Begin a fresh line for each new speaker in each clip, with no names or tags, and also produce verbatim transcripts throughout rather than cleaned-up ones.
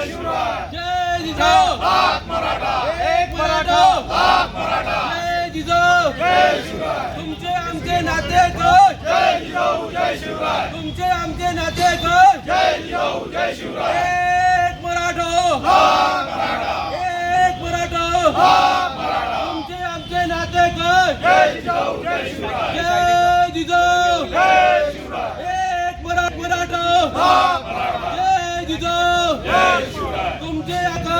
जय जिजाऊ एक मराठा जय जिजाऊ तुमचे आमचे नाते तुमचे आमचे नाते एक मराठा एक मराठा तुमचे आमचे नाते जय जिजाऊ एक मराठा जय जिजाऊ तुमचे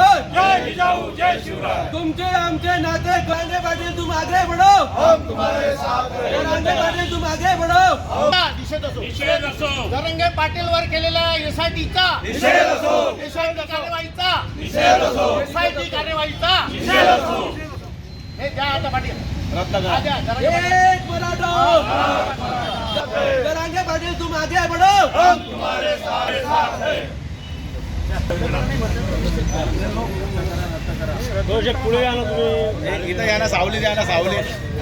तुमचे आमचे नाते जरांगे पाटील तुम आगे बढ़ो हम तुम्हारे साथ हैं जरांगे पाटील तुम आगे बढ़ो
निषेध असो जरांगे पाटील वर केलेल्या एसआयटीचा
निषेध असो
एसआयटी कार्यवाहीचा
निषेध असो
एसआयटी कार्यवाहीचा
निषेध असो
हे द्या आता पाटील रद्द करा
एक मराठा जरांगे पाटील तुम आगे बढ़ो हम तुम्हारे साथ हैं
पुढे या ना तुम्ही
इथं या ना सावली द्या ना सावली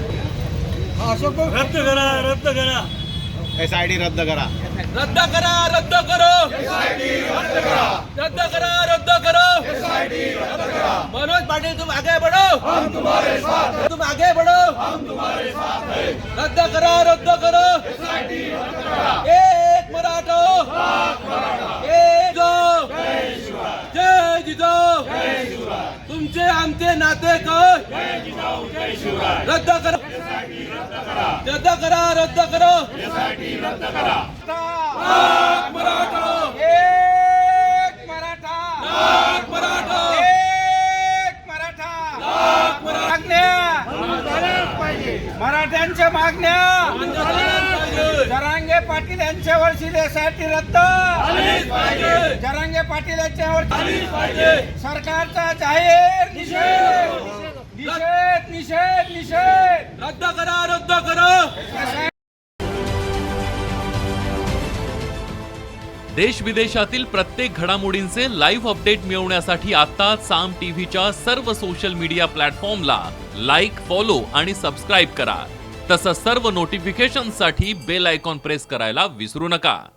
रद्द करा रद्द करा
एस आय डी रद्द करा
रद्द करा रद्द करो रद्द करा रद्द करो मनोज पाटिल तुम आगे बढ़ो हम तुम्हारे साथ हैं तुम आगे बढ़ो हम तुम्हारे साथ हैं रद्द करा रद्द करो एक मराठा एक जय जिजाऊ तुमचे आमचे नाते रद्द करा रद्द करा रद्द करो एक मराठा
एक मराठा
एक मराठा
एक मराठा मागण्या मराठ्यांच्या मागण्या जरांगे पाटील यांच्यावर शिलेसाठी रद्द जरांगे पाटील यांच्यावर सरकारचा जाहीर निषेध निषेध निषेध निषेध
रद्द करा रद्द करो
देश विदेशातील प्रत्येक घडामोडींचे लाईव्ह अपडेट मिळवण्यासाठी आता साम टीव्हीच्या सर्व सोशल मीडिया प्लॅटफॉर्मला लाईक, फॉलो आणि सबस्क्राईब करा. तसंच सर्व नोटिफिकेशनसाठी बेल आयकॉन प्रेस करायला विसरू नका.